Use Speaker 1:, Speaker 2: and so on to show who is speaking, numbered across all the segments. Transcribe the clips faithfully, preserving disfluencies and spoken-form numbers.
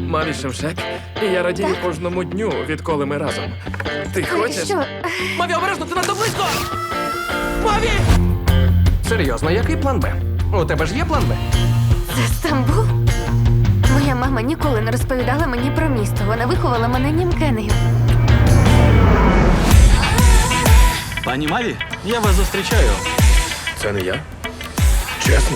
Speaker 1: Мамі Шемшек, і я радію кожному дню, відколи ми разом. Ти хочеш?
Speaker 2: Що?
Speaker 1: Маві, обережно, ти надто близько! Маві!
Speaker 3: Серйозно, який план Б? У тебе ж є план Б?
Speaker 2: Це Стамбул? Моя мама ніколи не розповідала мені про місто. Вона виховала мене німкенею.
Speaker 4: Пані Маві, я вас зустрічаю.
Speaker 1: Це не я? Чесно?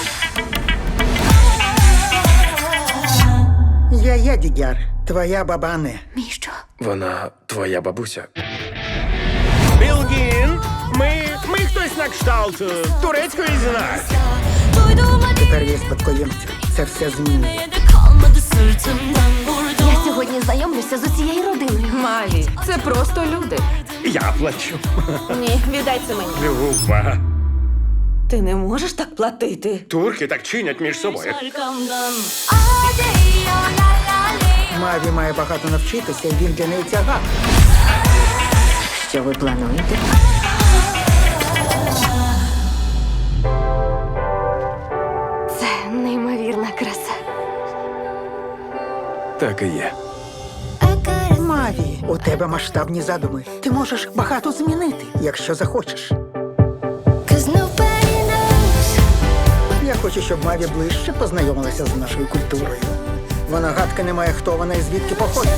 Speaker 5: Я Ядігяр, твоя бабане.
Speaker 2: Мій що?
Speaker 1: Вона твоя бабуся.
Speaker 6: Білгін, ми, ми хтось на кшталт е, турецької з нас.
Speaker 5: Тепер є спадкоємці. Це все змінює.
Speaker 2: Я сьогодні знайомлюся з усією родиною.
Speaker 7: Маві, це просто люди.
Speaker 6: Я плачу.
Speaker 7: Ні, віддай це мені.
Speaker 6: Люба.
Speaker 7: Ти не можеш так платити.
Speaker 6: Турки так чинять між собою.
Speaker 5: Маві має багато навчитися, і він для неї тягар.
Speaker 2: Що ви плануєте? Це неймовірна краса.
Speaker 1: Так і є.
Speaker 5: Маві, у тебе масштабні задуми. Ти можеш багато змінити, якщо захочеш. Я хочу, щоб Маві ближче познайомилася з нашою культурою. Вона гадки не має, хто вона і звідки походить.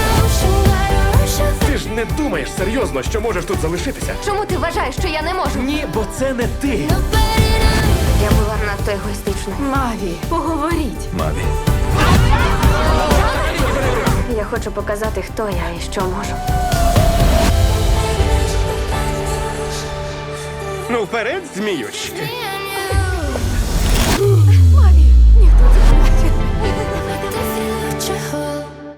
Speaker 1: Ти ж не думаєш серйозно, що можеш тут залишитися?
Speaker 2: Чому ти вважаєш, що я не можу?
Speaker 1: Ні, бо це не ти.
Speaker 2: Я була надто егоїстична.
Speaker 7: Маві, поговоріть.
Speaker 1: Маві.
Speaker 2: Я хочу показати, хто я і що можу.
Speaker 6: Ну, вперед, зміючки.